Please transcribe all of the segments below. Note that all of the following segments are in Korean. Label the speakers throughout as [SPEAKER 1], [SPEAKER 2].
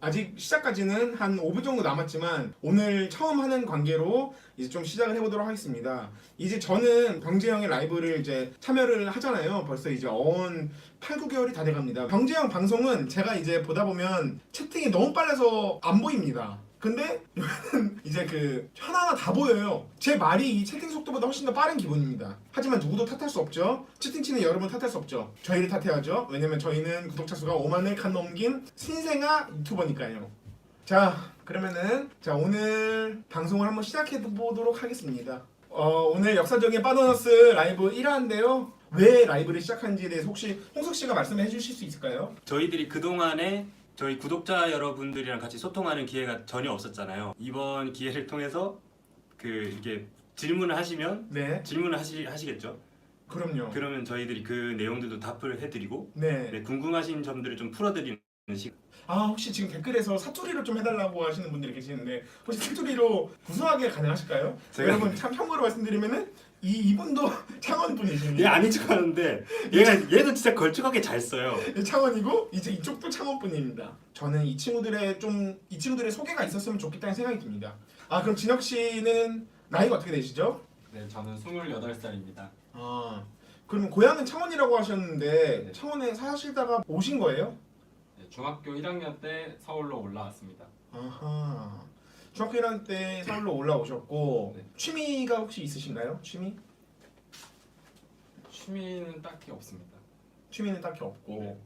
[SPEAKER 1] 아직 시작까지는 한 5분 정도 남았지만 오늘 처음 하는 관계로 이제 좀 시작을 해보도록 하겠습니다. 이제 저는 병재형의 라이브를 이제 참여를 하잖아요. 벌써 이제 8, 9개월이 다 돼갑니다. 병재형 방송은 제가 이제 보다 보면 채팅이 너무 빨라서 안 보입니다. 근데 여기는 이제 그 하나하나 다 보여요. 제 말이 이 채팅 속도보다 훨씬 더 빠른 기분입니다. 하지만 누구도 탓할 수 없죠. 채팅 치는 여러분 탓할 수 없죠. 저희를 탓해야죠. 왜냐면 저희는 구독자 수가 5만을 간 넘긴 신생아 유튜버니까요. 자, 그러면은 오늘 방송을 한번 시작해 보도록 하겠습니다. 오늘 역사적인 바더너스 라이브 1화인데요. 왜 라이브를 시작한지에 대해서 혹시 홍석 씨가 말씀해 주실 수 있을까요?
[SPEAKER 2] 저희들이 그동안에 저희 구독자 여러분들이랑 같이 소통하는 기회가 전혀 없었잖아요. 이번 기회를 통해서 이게 질문을 하시면
[SPEAKER 1] 네,
[SPEAKER 2] 질문을 하시겠죠.
[SPEAKER 1] 그럼요.
[SPEAKER 2] 그러면 저희들이 그 내용들도 답을 해드리고
[SPEAKER 1] 네.
[SPEAKER 2] 궁금하신 점들을 좀 풀어드리는 시간.
[SPEAKER 1] 혹시 지금 댓글에서 사투리로 좀 해달라고 하시는 분들이 계시는데 혹시 사투리로 구수하게 가능하실까요? 여러분 참 참고로 말씀드리면은 이분도 창원 분이십니다.
[SPEAKER 2] 얘 아닌 척하는데 얘도 진짜 걸쭉하게 잘 써요.
[SPEAKER 1] 창원이고 이제 이쪽도 창원 분입니다. 저는 이 친구들의 소개가 있었으면 좋겠다는 생각이 듭니다. 그럼 진혁 씨는 나이가 어떻게 되시죠?
[SPEAKER 3] 네, 저는 28살입니다.
[SPEAKER 1] 그러면 고향은 창원이라고 하셨는데
[SPEAKER 3] 네.
[SPEAKER 1] 창원에 사시다가 오신 거예요?
[SPEAKER 3] 네, 중학교 1학년 때 서울로 올라왔습니다.
[SPEAKER 1] 아하. 중학교 1학년 때 서울로 올라오셨고
[SPEAKER 3] 네.
[SPEAKER 1] 취미가 혹시 있으신가요?
[SPEAKER 3] 취미는 딱히 없습니다.
[SPEAKER 1] 취미는 딱히 없고
[SPEAKER 3] 네.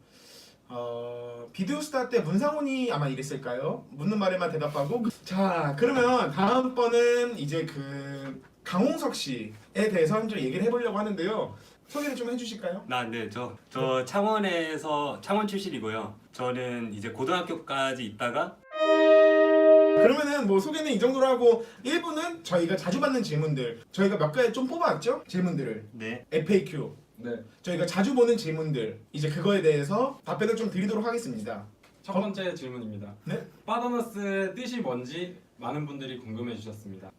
[SPEAKER 1] 비디오스타 때 문상훈이 아마 이랬을까요? 묻는 말에만 대답하고. 자, 그러면 다음번은 이제 그 강홍석 씨에 대해서 좀 얘기를 해보려고 하는데요. 소개를 좀 해주실까요?
[SPEAKER 2] 저 창원 출신이고요. 저는 이제 고등학교까지 있다가
[SPEAKER 1] 그러면은 뭐 소개는 이 정도로 하고 1부는 저희가 자주 받는 질문들 저희가 몇 가지 좀 뽑아왔죠? 질문들을
[SPEAKER 2] 네.
[SPEAKER 1] FAQ
[SPEAKER 3] 네,
[SPEAKER 1] 저희가 자주 보는 질문들 이제 그거에 대해서 답변을 좀 드리도록 하겠습니다.
[SPEAKER 3] 첫 번째 질문입니다.
[SPEAKER 1] 네?
[SPEAKER 3] 바더너스의 뜻이 뭔지 많은 분들이 궁금해 주셨습니다.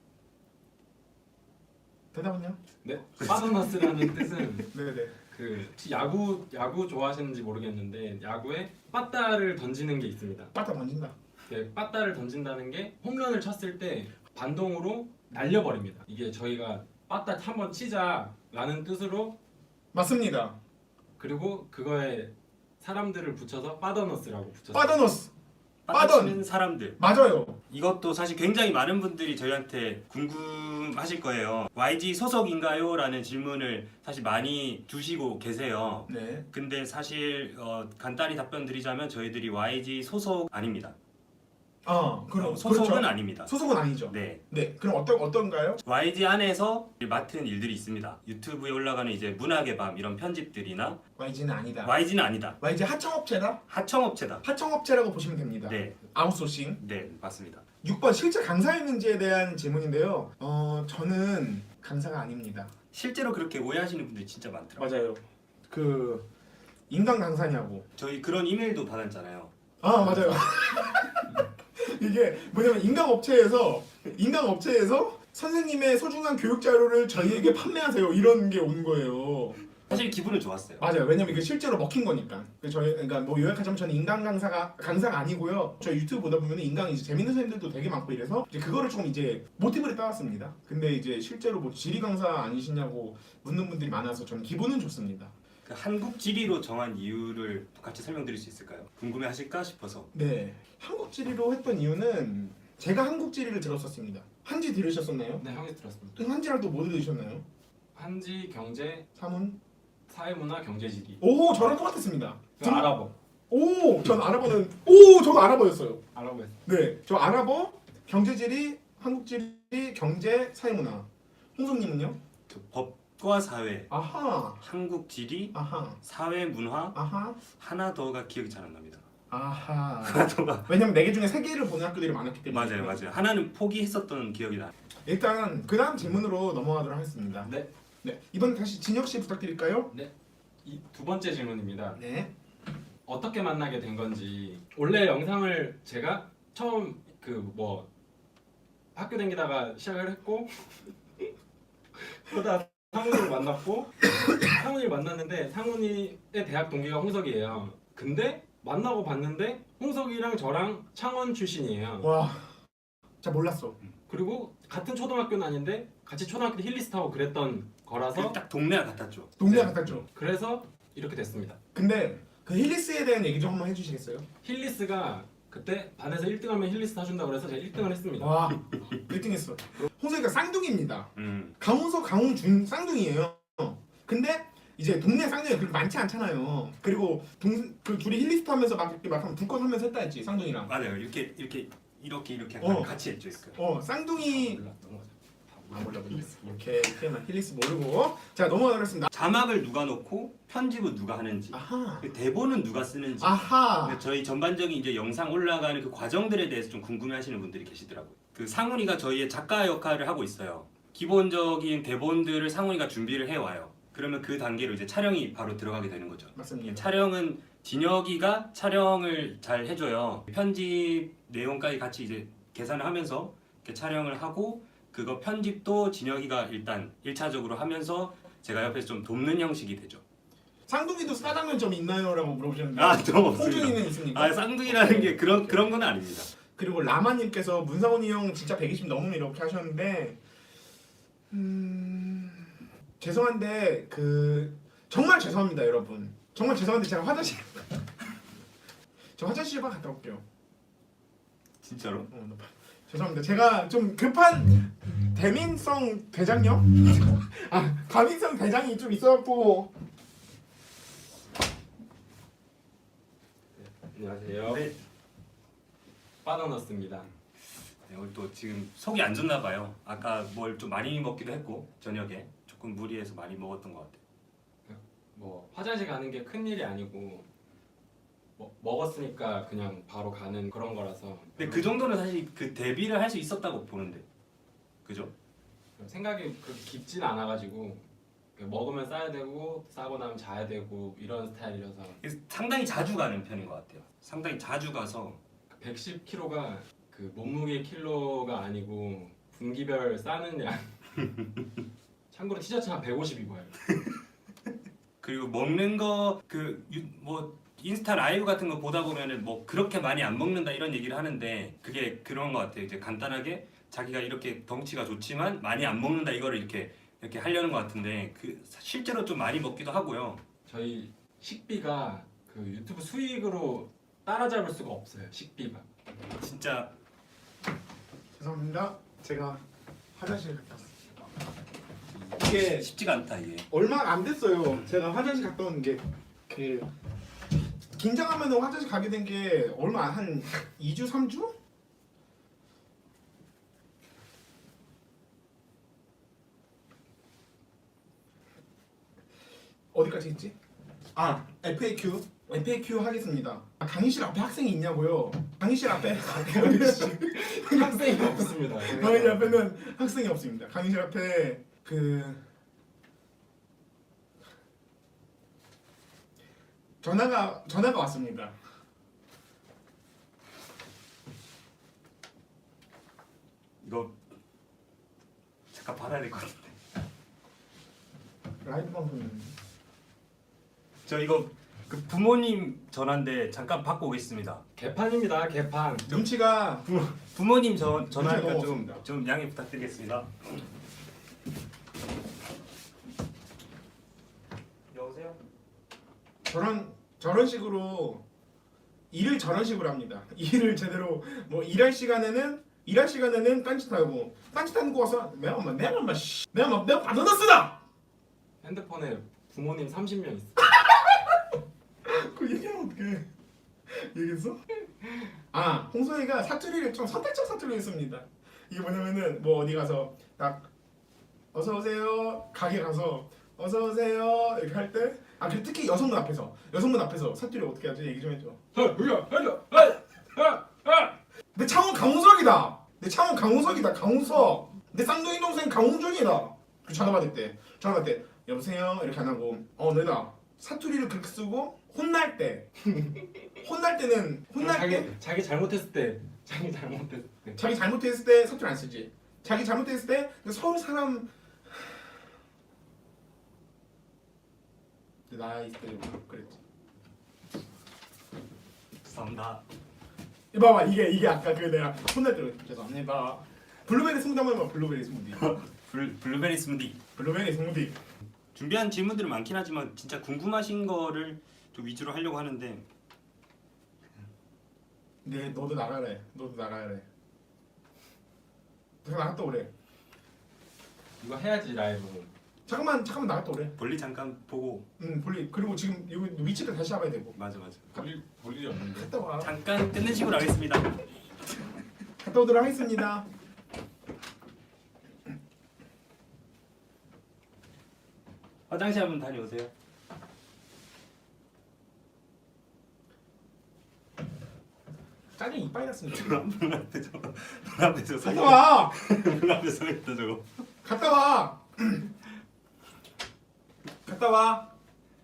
[SPEAKER 1] 대답은요?
[SPEAKER 3] 네, 바더너스라는 뜻은
[SPEAKER 1] 네네.
[SPEAKER 3] 혹시 야구 좋아하시는지 모르겠는데 야구에 빠따를 던지는 게 있습니다.
[SPEAKER 1] 빠따 던진다.
[SPEAKER 3] 네, 빠따를 던진다는 게 홈런을 쳤을 때 반동으로 날려버립니다. 이게 저희가 빠따 한번 치자라는 뜻으로
[SPEAKER 1] 맞습니다.
[SPEAKER 3] 그리고 그거에 사람들을 붙여서 바더너스라고 붙였어요.
[SPEAKER 1] 빠더너스.
[SPEAKER 2] 빠져치는 사람들.
[SPEAKER 1] 맞아요.
[SPEAKER 2] 이것도 사실 굉장히 많은 분들이 저희한테 궁금하실 거예요. YG 소속인가요? 라는 질문을 사실 많이 두시고 계세요.
[SPEAKER 1] 네.
[SPEAKER 2] 근데 사실 간단히 답변 드리자면 저희들이 YG 소속 아닙니다.
[SPEAKER 1] 그럼
[SPEAKER 2] 소속은
[SPEAKER 1] 그렇죠.
[SPEAKER 2] 아닙니다.
[SPEAKER 1] 소속은 아니죠.
[SPEAKER 2] 네.
[SPEAKER 1] 네. 그럼 어떤가요?
[SPEAKER 2] YG 안에서 맡은 일들이 있습니다. 유튜브에 올라가는 이제 문학의 밤 이런 편집들이나
[SPEAKER 1] YG는 아니다.
[SPEAKER 2] YG는 아니다.
[SPEAKER 1] YG 하청업체다?
[SPEAKER 2] 하청업체다.
[SPEAKER 1] 하청업체라고 보시면 됩니다.
[SPEAKER 2] 네.
[SPEAKER 1] 아웃소싱.
[SPEAKER 2] 네, 맞습니다.
[SPEAKER 1] 6번 실제 강사였는지에 대한 질문인데요. 저는 강사가 아닙니다.
[SPEAKER 2] 실제로 그렇게 오해하시는 분들이 진짜 많더라고요.
[SPEAKER 1] 맞아요. 그 인간 강사냐고.
[SPEAKER 2] 저희 그런 이메일도 받았잖아요.
[SPEAKER 1] 맞아요. 이게 뭐냐면 인강업체에서 선생님의 소중한 교육 자료를 저희에게 판매하세요 이런 게 온 거예요.
[SPEAKER 2] 사실 기분은 좋았어요.
[SPEAKER 1] 맞아요. 왜냐면 이게 실제로 먹힌 거니까. 그러니까 뭐 요약하자면 저는 인강 강사가 아니고요. 저희 유튜브 보다 보면 인강 이제 재밌는 선생님들도 되게 많고 이래서 이제 그거를 조금 이제 모티브를 따왔습니다. 근데 이제 실제로 뭐 지리 강사 아니시냐고 묻는 분들이 많아서 저는 기분은 좋습니다.
[SPEAKER 2] 그 한국 지리로 정한 이유를 같이 설명드릴 수 있을까요? 궁금해하실까 싶어서.
[SPEAKER 1] 네, 한국 지리로 했던 이유는 제가 한국 지리를 들었었습니다. 한지 들으셨었나요?
[SPEAKER 3] 네, 형이 들었습니다.
[SPEAKER 1] 또 한지랑 또 뭐 들으셨나요?
[SPEAKER 3] 한지, 경제,
[SPEAKER 1] 사문?
[SPEAKER 3] 사회문화, 경제지리.
[SPEAKER 1] 오, 저랑 똑같았습니다.
[SPEAKER 3] 아랍어.
[SPEAKER 1] 전 아랍어는 저도 아랍어였어요.
[SPEAKER 3] 아랍어에서.
[SPEAKER 1] 네, 저 아랍어, 경제지리, 한국지리, 경제, 사회문화. 홍성님은요?
[SPEAKER 2] 그 법과 사회,
[SPEAKER 1] 아하,
[SPEAKER 2] 한국 지리,
[SPEAKER 1] 아하,
[SPEAKER 2] 사회 문화
[SPEAKER 1] 아하,
[SPEAKER 2] 하나 더가 기억이 잘 안 납니다.
[SPEAKER 1] 아하.
[SPEAKER 2] 하나 더가
[SPEAKER 1] 왜냐면 4개 중에 3개를 보는 학교들이 많았기 때문에.
[SPEAKER 2] 맞아요. 하나는 포기했었던 기억이 나.
[SPEAKER 1] 일단 그 다음 질문으로 넘어가도록 하겠습니다.
[SPEAKER 3] 네,
[SPEAKER 1] 네, 이번 다시 진혁 씨 부탁드릴까요?
[SPEAKER 3] 이 두 번째 질문입니다.
[SPEAKER 1] 네.
[SPEAKER 3] 어떻게 만나게 된 건지. 원래 영상을 제가 처음 학교 다니다가 시작을 했고 그러다 상훈이를 만났고 상훈이를 만났는데 상훈이의 대학 동기가 홍석이에요. 근데 만나고 봤는데 홍석이랑 저랑 창원 출신이에요.
[SPEAKER 1] 와, 자 몰랐어.
[SPEAKER 3] 그리고 같은 초등학교는 아닌데 같이 초등학교 때 힐리스 타고 그랬던 거라서
[SPEAKER 2] 딱 동네가 같았죠.
[SPEAKER 1] 동네
[SPEAKER 3] 네.
[SPEAKER 1] 같았죠.
[SPEAKER 3] 그래서 이렇게 됐습니다.
[SPEAKER 1] 근데 그 힐리스에 대한 얘기 좀 한번 해주시겠어요?
[SPEAKER 3] 힐리스가 그때 반에서 1등하면 힐리스 타준다 그래서 제가 1등을 했습니다.
[SPEAKER 1] 와, 1등했어. 홍석이가 쌍둥이입니다.
[SPEAKER 2] 음.
[SPEAKER 1] 강훈석, 강훈준 쌍둥이에요. 근데 이제 동네 쌍둥이가 그렇게 많지 않잖아요. 그리고 그 둘이 힐리스트 하면서 막 이렇게 막 불꽃 하면서 했다 했지 쌍둥이랑.
[SPEAKER 2] 맞아요. 이렇게
[SPEAKER 1] 어.
[SPEAKER 2] 같이 했죠. 그.
[SPEAKER 1] 쌍둥이.
[SPEAKER 3] 몰랐던 거죠.
[SPEAKER 1] 몰라. 이렇게만 힐리스 모르고. 자 넘어가겠습니다.
[SPEAKER 2] 자막을 누가 넣고 편집은 누가 하는지,
[SPEAKER 1] 아하.
[SPEAKER 2] 그 대본은 누가 쓰는지.
[SPEAKER 1] 아하.
[SPEAKER 2] 근데 저희 전반적인 이제 영상 올라가는 그 과정들에 대해서 좀 궁금해하시는 분들이 계시더라고요. 그 상훈이가 저희의 작가 역할을 하고 있어요. 기본적인 대본들을 상훈이가 준비를 해 와요. 그러면 그 단계로 이제 촬영이 바로 들어가게 되는 거죠.
[SPEAKER 1] 맞습니다.
[SPEAKER 2] 촬영은 진혁이가 촬영을 잘 해줘요. 편집 내용까지 같이 이제 계산을 하면서 이렇게 촬영을 하고 그거 편집도 진혁이가 일단 1차적으로 하면서 제가 옆에서 좀 돕는 형식이 되죠.
[SPEAKER 1] 쌍둥이도 싸장면 좀 있나요?라고 물어보셨는데.
[SPEAKER 2] 좀 없습니다.
[SPEAKER 1] 홍준이는 있습니까?
[SPEAKER 2] 아 쌍둥이라는 게 그런 건 아닙니다.
[SPEAKER 1] 그리고 라마님께서 문상훈이 형 진짜 120 넘으면 이렇게 하셨는데 죄송한데 그 정말 죄송합니다 여러분. 정말 죄송한데 제가 화장실 저 화장실 좀 갔다 올게요.
[SPEAKER 2] 진짜로?
[SPEAKER 1] 죄송합니다. 제가 좀 급한 대민성 대장염? 과민성 대장이 좀 있어갖고.
[SPEAKER 3] 안녕하세요.
[SPEAKER 2] 네.
[SPEAKER 3] 바나나스입니다.
[SPEAKER 2] 네, 오늘 또 지금 속이 안 좋나 봐요. 아까 뭘 좀 많이 먹기도 했고 저녁에 조금 무리해서 많이 먹었던 것 같아요.
[SPEAKER 3] 뭐 화장실 가는 게 큰 일이 아니고 뭐 먹었으니까 그냥 바로 가는 그런 거라서
[SPEAKER 2] 근데 그 정도는 사실 그 대비를 할 수 있었다고 보는데, 그죠?
[SPEAKER 3] 생각이 그렇게 깊진 않아가지고 먹으면 싸야 되고 싸고 나면 자야 되고 이런 스타일이라서
[SPEAKER 2] 그래서 상당히 자주 가는 편인 것 같아요. 상당히 자주 가서
[SPEAKER 3] 110kg가 그 몸무게 킬로가 아니고 분기별 싸는 양. 참고로 티셔츠 한 150 입어요.
[SPEAKER 2] 그리고 먹는 거 뭐 인스타 라이브 같은 거 보다 보면은 뭐 그렇게 많이 안 먹는다 이런 얘기를 하는데 그게 그런 것 같아요. 이제 간단하게 자기가 이렇게 덩치가 좋지만 많이 안 먹는다 이거를 이렇게 하려는 것 같은데 그 실제로 좀 많이 먹기도 하고요.
[SPEAKER 3] 저희 식비가 그 유튜브 수익으로 따라잡을 수가 없어요. 식비가.
[SPEAKER 2] 진짜
[SPEAKER 1] 죄송합니다. 제가 화장실 갔다 왔습니다. 이게
[SPEAKER 2] 쉽지가 않다 이게.
[SPEAKER 1] 얼마 안 됐어요. 제가 화장실 갔다 온 게 그 긴장하면 화장실 가게 된 게 얼마 한 2주 3주? 어디까지 했지? FAQ 하겠습니다. 강의실 앞에 학생이 있냐고요? 강의실 앞에
[SPEAKER 3] 학생이 없습니다.
[SPEAKER 1] 강의실 앞에는 학생이 없습니다. 강의실 앞에 그 전화가 왔습니다.
[SPEAKER 2] 이거 잠깐 받아야 될 것 같은데.
[SPEAKER 1] 라이브 방송이는데.
[SPEAKER 2] 저 이거 그 부모님 전화인데 잠깐 받고 오겠습니다.
[SPEAKER 3] 개판입니다. 개판.
[SPEAKER 1] 눈치가
[SPEAKER 2] 부모님 전화니까
[SPEAKER 1] 너무
[SPEAKER 2] 좀
[SPEAKER 1] 없습니다.
[SPEAKER 2] 양해 부탁드리겠습니다. 여보세요?
[SPEAKER 1] 저런 식으로 일을 저런 식으로 합니다. 일을 제대로 뭐 일할 시간에는 딴짓하고 딴짓하는 거 와서 내가 받아놨으다.
[SPEAKER 3] 핸드폰에 부모님 30명 있어.
[SPEAKER 1] 그 얘기하면 어떡해? 얘기했어? 홍소희가 사투리를 좀 선택적 사투리를 했습니다. 이게 뭐냐면은 뭐 어디 가서 딱 어서 오세요 가게 가서 어서 오세요 이렇게 할 때 그 특히 여성분 앞에서 사투리 어떻게 하지 얘기 좀 해줘. 내 창원 강우석이다. 강우석. 내 쌍둥이 동생 강웅준이다. 그 전화 받을 때 여보세요 이렇게 안 하고 내다 사투리를 그렇게 쓰고 혼날 때는
[SPEAKER 3] 자기 잘못했을 때
[SPEAKER 1] 자기 잘못했을 때 사투리 안 쓰지. 자기 잘못했을 때 서울 사람 나이 때 그랬지.
[SPEAKER 2] 죄송합니다.
[SPEAKER 1] 봐봐 이게 아까 그 내가 혼날 때 죄송합니다. 블루베리 스무디 한번 해봐. 블루베리 스무디.
[SPEAKER 2] 블루베리 스무디.
[SPEAKER 1] 블루베리 스무디.
[SPEAKER 2] 준비한 질문들은 많긴 하지만 진짜 궁금하신 거를 좀 위주로 하려고 하는데
[SPEAKER 1] 네 너도 나가래. 너도 나가래. 잠깐 나갔다 오래.
[SPEAKER 3] 이거 해야지 라이브.
[SPEAKER 1] 잠깐만 나갔다 오래.
[SPEAKER 2] 볼리 잠깐 보고.
[SPEAKER 1] 볼리 그리고 지금 여기 위치를 다시 잡아야 되고.
[SPEAKER 2] 맞아.
[SPEAKER 3] 볼 일이 없는데.
[SPEAKER 1] 갔다 와.
[SPEAKER 2] 잠깐 끊는 식으로 하겠습니다.
[SPEAKER 1] 갔다 오도록 하겠습니다.
[SPEAKER 2] 화장실 한번 다녀오세요.
[SPEAKER 1] 짜증 이빨 났습니다.
[SPEAKER 2] 문 앞에서 서
[SPEAKER 1] 갔다 와.
[SPEAKER 2] 문 앞에 서 있다 저거.
[SPEAKER 1] 갔다 와. 갔다 와.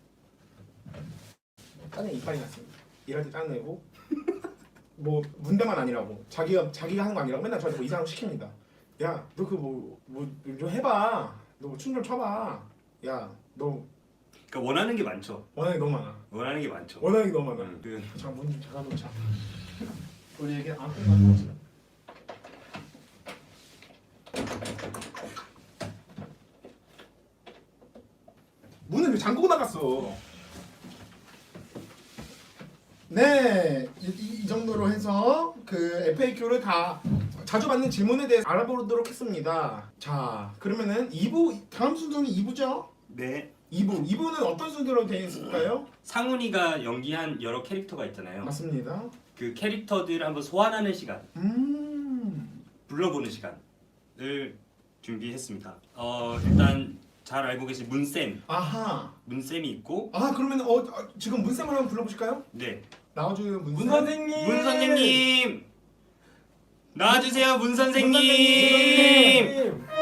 [SPEAKER 1] 짜증 이빨이 났습니다. 일할 때 짜증내고 뭐 문대만 아니라고 자기가 하는 거 아니라고 맨날 저한테 뭐 이상한 거 시킵니다. 야 너 그 뭐 좀 해봐. 너 춤 좀 춰봐. 야 너
[SPEAKER 2] 그러니까 원하는 게 많죠.
[SPEAKER 1] 원하는 게 너무 많아.
[SPEAKER 2] 원하는 게 많죠.
[SPEAKER 1] 원하는 게 너무 많아.
[SPEAKER 2] 그
[SPEAKER 1] 잠깐 문 좀 닫아놓자. 우리 얘기 안 끝났어. 문을 왜 잠그고 나갔어? 네, 이 정도로 해서 그 FAQ를 다 자주 받는 질문에 대해서 알아보도록 했습니다. 자, 그러면은 2부 다음 순서는 2부죠?
[SPEAKER 2] 네.
[SPEAKER 1] 2부는 어떤 순서로 되어 있을까요?
[SPEAKER 2] 상훈이가 연기한 여러 캐릭터가 있잖아요.
[SPEAKER 1] 맞습니다.
[SPEAKER 2] 그 캐릭터들을 한번 소환하는 시간,
[SPEAKER 1] 음.
[SPEAKER 2] 불러보는 시간을 준비했습니다. 일단 잘 알고 계신 문쌤,
[SPEAKER 1] 아하.
[SPEAKER 2] 문쌤이 있고,
[SPEAKER 1] 아 그러면 지금 문쌤을 한번 불러보실까요?
[SPEAKER 2] 네,
[SPEAKER 1] 나와줘요 문쌤.
[SPEAKER 3] 문 선생님.
[SPEAKER 2] 문 선생님 나와주세요, 문
[SPEAKER 1] 문
[SPEAKER 2] 선생님.
[SPEAKER 1] 선생님.